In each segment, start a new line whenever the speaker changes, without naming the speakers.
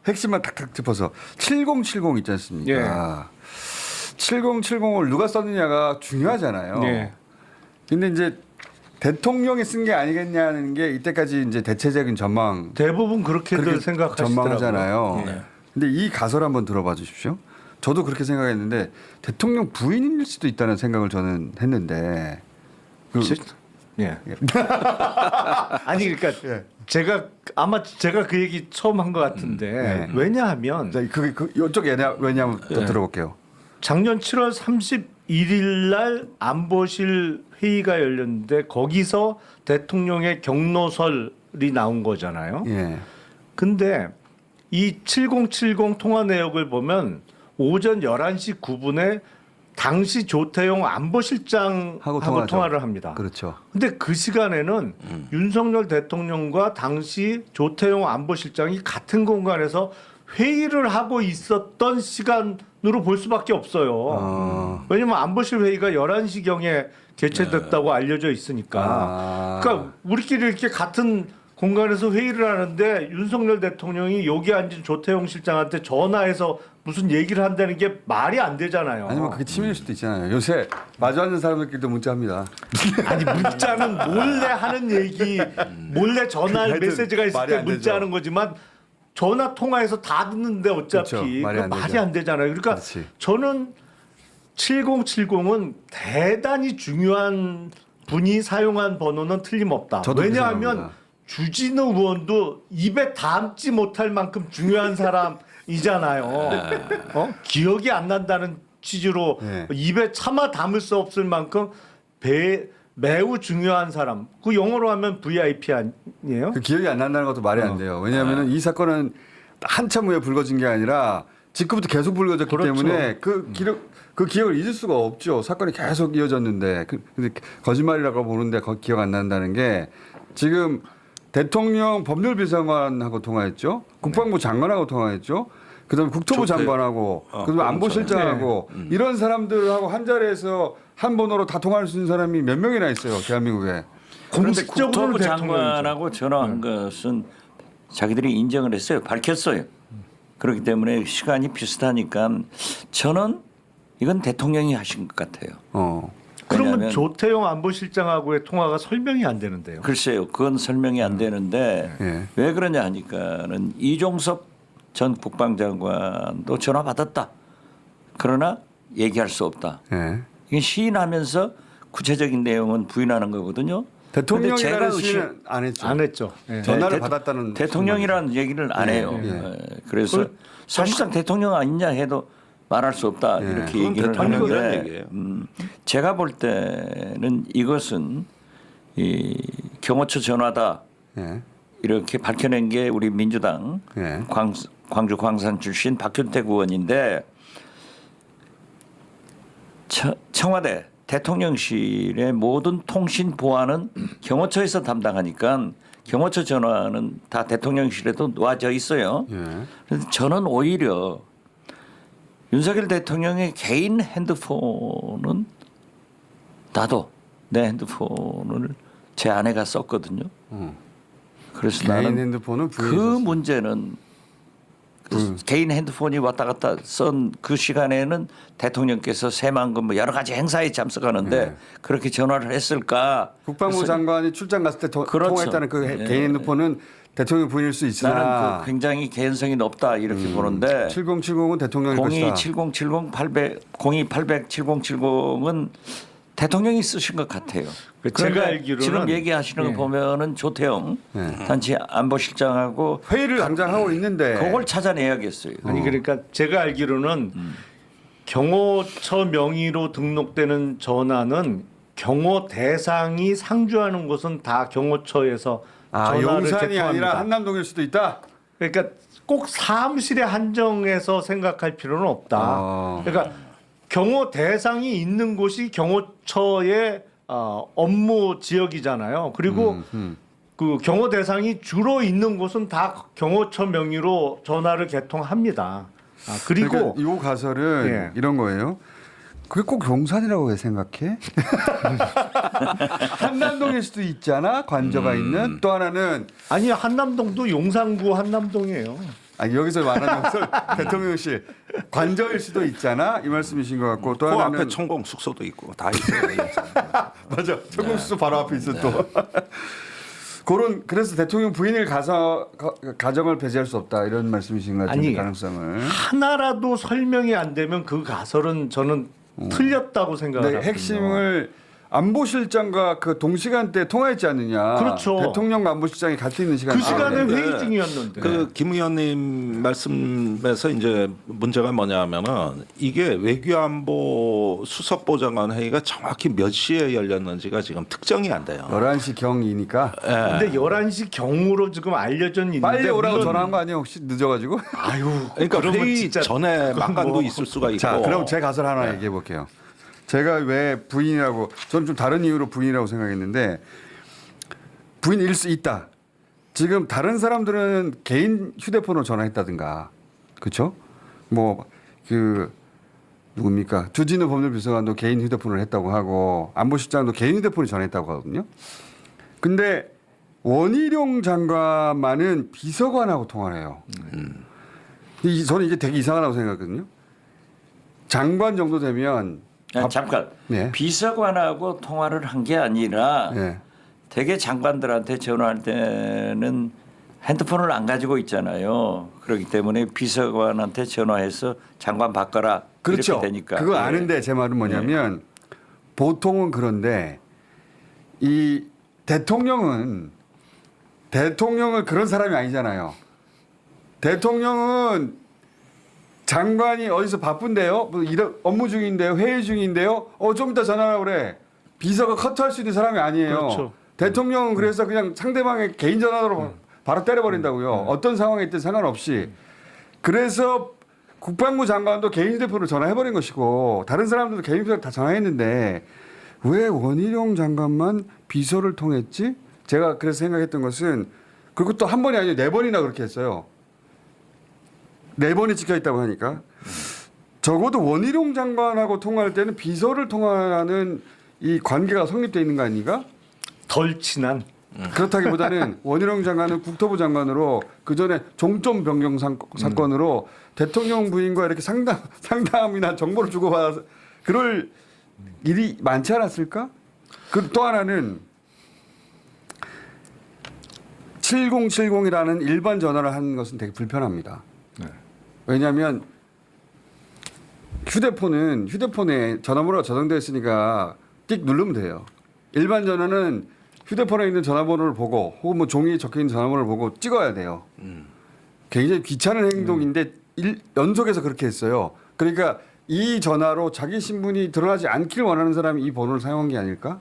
핵심만 탁탁 짚어서 7070 있지 않습니까? 7070을 누가 썼느냐가 중요하잖아요.
예.
근데 이제 대통령이 쓴 게 아니겠냐는 게 이때까지 이제 대체적인 전망
대부분 그렇게들 생각하시더라고요.
전망하잖아요.
예.
근데 이 가설 한번 들어봐 주십시오. 저도 그렇게 생각했는데 대통령 부인일 수도 있다는 생각을 저는 했는데
예. 아니 그러니까
예.
제가 그 얘기 처음 한 것 같은데 왜냐하면
자, 이쪽 왜냐하면 또 들어볼게요.
작년 7월 31일 날 안보실 회의가 열렸는데 거기서 대통령의 경로설이 나온 거잖아요.
예.
근데 이 7070 통화 내역을 보면 오전 11시 9분에 당시 조태용 안보실장하고
하고
통화를 합니다.
그렇죠.
근데 그 시간에는 윤석열 대통령과 당시 조태용 안보실장이 같은 공간에서 회의를 하고 있었던 시간으로 볼 수밖에 없어요. 왜냐하면 안보실 회의가 11시경에 개최됐다고 알려져 있으니까. 그러니까 우리끼리 이렇게 같은 공간에서 회의를 하는데 윤석열 대통령이 여기 앉은 조태용 실장한테 전화해서 무슨 얘기를 한다는 게 말이 안 되잖아요.
아니면 그게 치밀일 수도 있잖아요. 요새 마주 앉는 사람들끼리도 문자합니다.
아니 문자는 몰래 하는 얘기, 몰래 전화
하여튼
메시지가 있을
말이
때
안
문자하는 거지만 전화 통화해서 다 듣는데 어차피
그렇죠. 말이 안
말이
되죠.
안 되잖아요. 그러니까
그렇지.
저는 7070은 대단히 중요한 분이 사용한 번호는 틀림없다.
저도 그렇게
왜냐하면
생각합니다.
주진우 의원도 입에 담지 못할 만큼 중요한 사람이잖아요. 기억이 안 난다는 취지로
네.
입에 차마 담을 수 없을 만큼 매우 중요한 사람. 그 영어로 하면 VIP 아니에요?
그 기억이 안 난다는 것도 말이 안 돼요. 왜냐하면 이 사건은 한참 후에 불거진 게 아니라 직후부터 계속 불거졌기
그렇죠.
때문에 그 기억을 잊을 수가 없죠. 사건이 계속 이어졌는데 근데 거짓말이라고 보는데 기억 안 난다는 게 지금 대통령 법률비서관하고 통화했죠. 국방부 장관하고 통화했죠. 그다음에 국토부 장관하고 그다음에 안보실장하고 이런 사람들하고 한 자리에서 한 번호로 다 통화할 수 있는 사람이 몇 명이나 있어요. 대한민국에.
그런데
공식적으로는
국토부
대통령이죠.
장관하고 전화한 것은 자기들이 인정을 했어요. 밝혔어요. 그렇기 때문에 시간이 비슷하니까 저는 이건 대통령이 하신 것 같아요.
그러면
왜냐하면
조태용 안보실장하고의 통화가 설명이 안 되는데요.
글쎄요. 그건 설명이 안 되는데
예.
왜 그러냐 하니까는 이종섭 전 국방장관도 전화 받았다. 그러나 얘기할 수 없다.
예.
이게 시인하면서 구체적인 내용은 부인하는 거거든요. 근데
대통령이라는
제가
시는 안 했죠.
안 했죠. 예.
전화를 받았다는
대통령이라는 얘기를 안 해요. 그래서 사실상 대통령 아니냐 해도 말할 수 없다 이렇게
그건
얘기를
대통령이라는
하는데
얘기예요.
제가 볼 때는 이것은 이 경호처 전화다
예.
이렇게 밝혀낸 게 우리 민주당
예.
광주 광산 출신 박준택 의원인데 청와대 대통령실의 모든 통신 보안은 경호처에서 담당하니까 경호처 전화는 다 대통령실에도 놓아져 있어요. 그래서 저는 오히려 윤석열 대통령의 개인 핸드폰은 나도 내 핸드폰을 제 아내가 썼거든요. 그래서
개인
나는
핸드폰은
그
부인이 썼어요.
문제는 개인 핸드폰이 왔다 갔다 쓴 그 시간에는 대통령께서 새만금 뭐 여러 가지 행사에 참석하는데 그렇게 전화를 했을까?
국방부
그래서
장관이 출장 갔을 때
그렇죠.
통화했다는 그
예.
개인 핸드폰은 대통령 부인일 수
나는
있으나
그 굉장히 개연성이 높다 이렇게 보는데
7070은 대통령일 것이다.
027070 800 0280 7070은 대통령이 쓰신 것 같아요.
제가
그런데
알기로는
지금 얘기하시는 거 보면은 조태영 단체 안보실장하고
회의를 당장 하고 있는데
그걸 찾아내야겠어요.
아니 그러니까 제가 알기로는 경호처 명의로 등록되는 전화는 경호 대상이 상주하는 곳은 다 경호처에서 전화를
용산이
개통합니다.
아니라 한남동일 수도 있다.
그러니까 꼭 사무실에 한정해서 생각할 필요는 없다. 그러니까 경호 대상이 있는 곳이 경호처의 업무 지역이잖아요. 그리고 그 경호 대상이 주로 있는 곳은 다 경호처 명의로 전화를 개통합니다. 그리고
그러니까 이 가설은
예.
이런 거예요. 그게 꼭 용산이라고 왜 생각해? 한남동일 수도 있잖아. 관저가 있는. 또 하나는
아니 한남동도 용산구 한남동이에요.
아니, 여기서 말하는 것은 대통령실 관저일 수도 있잖아 이 말씀이신 것 같고 또
그
하나는
앞에 천공 숙소도 있고 다 있어요.
맞아 청공수소 바로 앞에 있어 또 그런 그래서 대통령 부인을 가정을 배제할 수 없다 이런 말씀이신 것 같은데
아니,
가능성을
하나라도 설명이 안 되면 그 가설은 저는 틀렸다고 생각을
근데
하거든요.
핵심을 안보실장과 그 동시간대에 통화했지 않느냐.
그렇죠.
대통령과 안보실장이 같이 있는 시간에.
그 시간에
네.
회의 중이었는데.
그 김 의원님 말씀에서 이제 문제가 뭐냐면은 이게 외교안보 수석보좌관 회의가 정확히 몇 시에 열렸는지가 지금 특정이 안 돼요.
11시 경이니까
근데 11시 경으로 지금 알려져 있는데
빨리 오라고
물론-
전화한 거 아니에요? 혹시 늦어가지고?
아유,
그러니까
그러면
회의
진짜
전에
그건
막간도
뭐-
있을 수가 있고.
자, 그럼 제 가설 하나 얘기해 볼게요. 제가 왜 부인이라고 저는 좀 다른 이유로 부인이라고 생각했는데 부인일 수 있다. 지금 다른 사람들은 개인 휴대폰으로 전화했다든가, 그렇죠? 뭐 그 누굽니까? 주진우 법률비서관도 개인 휴대폰을 했다고 하고 안보실장도 개인 휴대폰을 전화했다고 하거든요. 근데 원희룡 장관만은 비서관하고 통화를 해요. 저는 이게 되게 이상하다고 생각하거든요. 장관 정도 되면
잠깐
네.
비서관하고 통화를 한 게 아니라
네.
대개 장관들한테 전화할 때는 핸드폰을 안 가지고 있잖아요. 그렇기 때문에 비서관한테 전화해서 장관 바꿔라
그렇죠.
이렇게 되니까.
그거
예.
아는데 제 말은 뭐냐면 보통은 그런데 이 대통령은 그런 사람이 아니잖아요. 대통령은 장관이 어디서 바쁜데요? 뭐 업무 중인데요? 회의 중인데요? 좀 이따 전화하라 그래. 비서가 커트할 수 있는 사람이 아니에요.
그렇죠.
대통령은 그래서 그냥 상대방의 개인 전화로 바로 때려버린다고요. 어떤 상황에 있든 상관없이. 그래서 국방부 장관도 개인 휴대폰으로 전화해버린 것이고 다른 사람들도 개인 휴대폰 다 전화했는데 왜 원희룡 장관만 비서를 통했지? 제가 그래서 생각했던 것은 그리고 또 한 번이 아니고 4번이나 그렇게 했어요. 4번이 찍혀 있다고 하니까 적어도 원희룡 장관하고 통화할 때는 비서를 통화하는 이 관계가 성립되어 있는 거 아닌가?
덜 친한
그렇다기보다는 원희룡 장관은 국토부 장관으로 그 전에 종점 변경 사건으로 대통령 부인과 이렇게 상담이나 정보를 주고받아서 그럴 일이 많지 않았을까? 그 또 하나는 7070이라는 일반 전화를 하는 것은 되게 불편합니다. 왜냐하면 휴대폰에 전화번호가 저장되어 있으니까 띡 누르면 돼요. 일반 전화는 휴대폰에 있는 전화번호를 보고 혹은 뭐 종이에 적혀 있는 전화번호를 보고 찍어야 돼요. 굉장히 귀찮은 행동인데 연속해서 그렇게 했어요. 그러니까 이 전화로 자기 신분이 드러나지 않길 원하는 사람이 이 번호를 사용한 게 아닐까?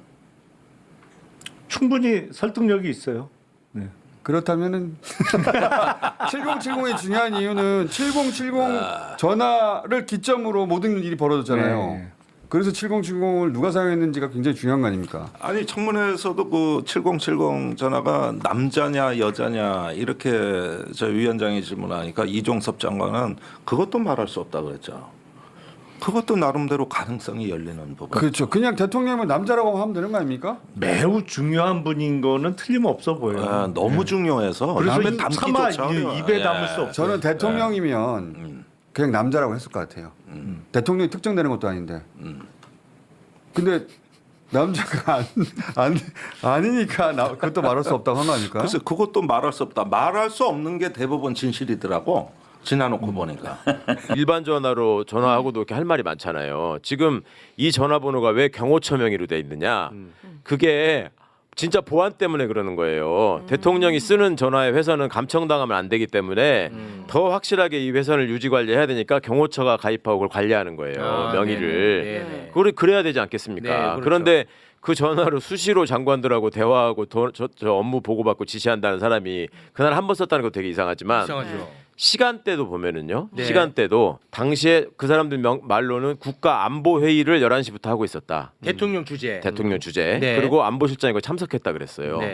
충분히 설득력이 있어요. 네.
그렇다면은 7070이 중요한 이유는 7070 전화를 기점으로 모든 일이 벌어졌잖아요.
네.
그래서 7070을 누가 사용했는지가 굉장히 중요한 거 아닙니까?
아니 청문회에서도 그 7070 전화가 남자냐 여자냐 이렇게 저 위원장이 질문하니까 이종섭 장관은 그것도 말할 수 없다 그랬죠. 그것도 나름대로 가능성이 열리는 부분.
그렇죠. 그냥 대통령은 남자라고 하면 되는 거 아닙니까?
매우 중요한 분인 거는 틀림없어 보여요.
너무 중요해서
그래서
남의
차마
담기조차
입에 담을 수 없어요.
저는 대통령이면 그냥 남자라고 했을 것 같아요. 대통령이 특정되는 것도 아닌데. 근데 남자가 아니니까 그것도 말할 수 없다고 한 거 아닐까?
그래서 그것도 말할 수 없다. 말할 수 없는 게 대부분 진실이더라고. 지나놓고 보니까.
일반 전화로 전화하고도 이렇게 할 말이 많잖아요. 지금 이 전화번호가 왜 경호처 명의로 돼 있느냐? 그게 진짜 보안 때문에 그러는 거예요. 대통령이 쓰는 전화의 회선은 감청당하면 안 되기 때문에 더 확실하게 이 회선을 유지 관리해야 되니까 경호처가 가입하고 그걸 관리하는 거예요. 명의를.
네네.
그걸 그래야 되지 않겠습니까?
네, 그렇죠.
그런데 그 전화로 수시로 장관들하고 대화하고 저 업무 보고받고 지시한다는 사람이 그날 한 번 썼다는 거 되게 이상하지만
이상하죠.
시간대도 보면은요.
네.
시간대도 당시에 그 사람들 말로는 국가 안보 회의를 11시부터 하고 있었다.
대통령 주재.
대통령 주재.
네.
그리고 안보실장이 거 참석했다 그랬어요.
네.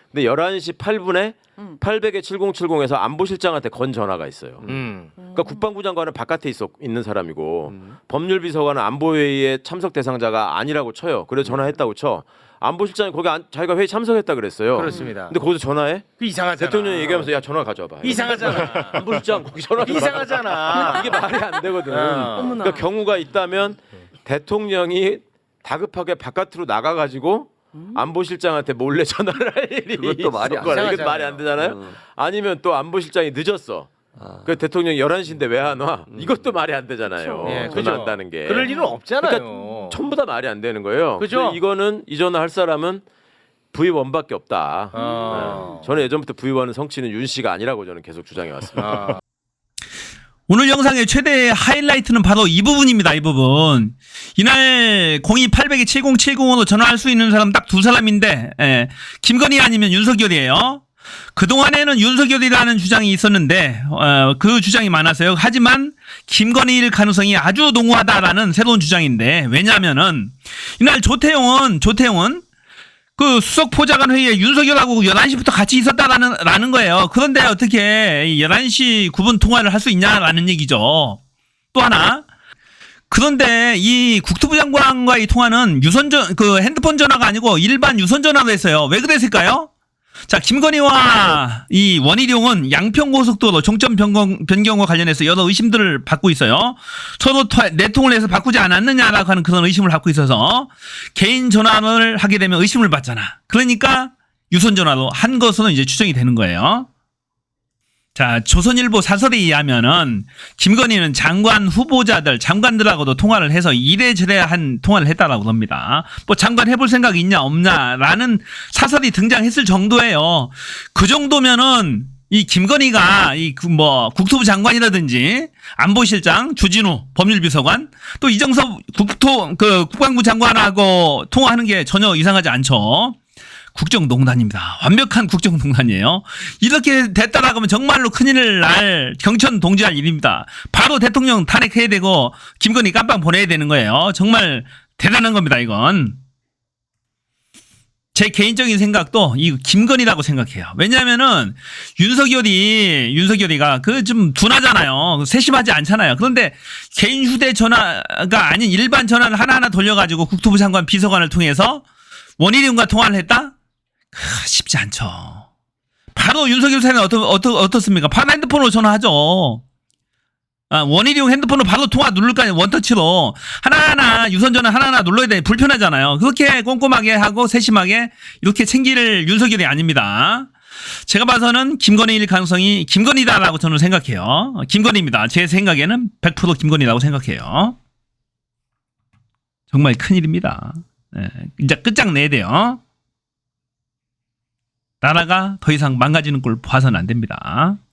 근데 11시 8분에 800에 7070에서 안보실장한테 건 전화가 있어요. 그러니까 국방부 장관은 바깥에 있는 사람이고 법률비서관은 안보회의에 참석 대상자가 아니라고 쳐요. 그래서 전화했다고 쳐. 안보실장이 거기 자기가 회의 참석했다 그랬어요.
그렇습니다.
근데 거기서 전화해?
그 이상하잖아.
대통령이 얘기하면서 야 전화 가져와봐.
이상하잖아.
안보실장 거기 전화 좀
이상하잖아.
이게 말이 안 되거든.
어머나.
그러니까 경우가 있다면 대통령이 다급하게 바깥으로 나가가지고 안보실장한테 몰래 전화를 할 일이
그것도 말이 안
있었거나. 이게
되잖아요.
말이 안 되잖아요. 아니면 또 안보실장이 늦었어. 그 대통령이 11시인데 왜 안 와? 이것도 말이 안 되잖아요.
예,
전화한다는 게.
그럴 일은 없잖아요.
그러니까 전부 다 말이 안 되는 거예요.
그죠?
그래서 이거는 이 전화할 사람은 V1밖에 없다.
아.
네. 저는 예전부터 V1은 성취는 윤 씨가 아니라고 저는 계속 주장해 왔습니다.
오늘 영상의 최대 하이라이트는 바로 이 부분입니다. 이 부분. 이날 02-800-7070으로 전화할 수 있는 사람 딱 두 사람인데 김건희 아니면 윤석열이에요. 그동안에는 윤석열이라는 주장이 있었는데 그 주장이 많았어요. 하지만 김건희일 가능성이 아주 농후하다라는 새로운 주장인데 왜냐하면은 이날 조태용은 그 수석 보좌관 회의에 윤석열하고 11시부터 같이 있었다라는 거예요. 그런데 어떻게 11시 9분 통화를 할 수 있냐라는 얘기죠. 또 하나. 그런데 이 국토부 장관과의 통화는 그 핸드폰 전화가 아니고 일반 유선 전화로 했어요. 왜 그랬을까요? 자, 김건희와 이 원희룡은 양평고속도로 종점 변경과 관련해서 여러 의심들을 받고 있어요. 서로 내통을 해서 바꾸지 않았느냐라고 하는 그런 의심을 받고 있어서 개인 전화를 하게 되면 의심을 받잖아. 그러니까 유선 전화로 한 것으로 이제 추정이 되는 거예요. 자, 조선일보 사설에 의하면은 김건희는 장관 후보자들, 장관들하고도 통화를 해서 이래저래한 통화를 했다라고 합니다. 뭐 장관 해볼 생각이 있냐 없냐라는 사설이 등장했을 정도예요. 그 정도면은 이 김건희가 국토부 장관이라든지 안보실장, 주진우 법률비서관, 또 이정섭 국방부 장관하고 통화하는 게 전혀 이상하지 않죠. 국정농단입니다. 완벽한 국정농단이에요. 이렇게 됐다라고 하면 정말로 큰일을 날 경천동지할 일입니다. 바로 대통령 탄핵해야 되고 김건희 깜빵 보내야 되는 거예요. 정말 대단한 겁니다. 이건. 제 개인적인 생각도 이 김건희라고 생각해요. 왜냐하면은 윤석열이가 그 좀 둔하잖아요. 세심하지 않잖아요. 그런데 개인 휴대전화가 아닌 일반 전화를 하나하나 돌려가지고 국토부 장관 비서관을 통해서 원희룡과 통화를 했다? 쉽지 않죠. 바로 윤석열 사는 어떻습니까? 바로 핸드폰으로 전화하죠. 원희룡 핸드폰으로 바로 통화 누를 거 아니에요. 원터치로. 하나하나 유선전화 하나하나 눌러야 돼. 불편하잖아요. 그렇게 꼼꼼하게 하고 세심하게 이렇게 챙길 윤석열이 아닙니다. 제가 봐서는 김건희일 가능성이 김건희다라고 저는 생각해요. 김건희입니다. 제 생각에는 100% 김건희라고 생각해요. 정말 큰일입니다. 이제 끝장내야 돼요. 나라가 더 이상 망가지는 꼴 봐서는 안 됩니다.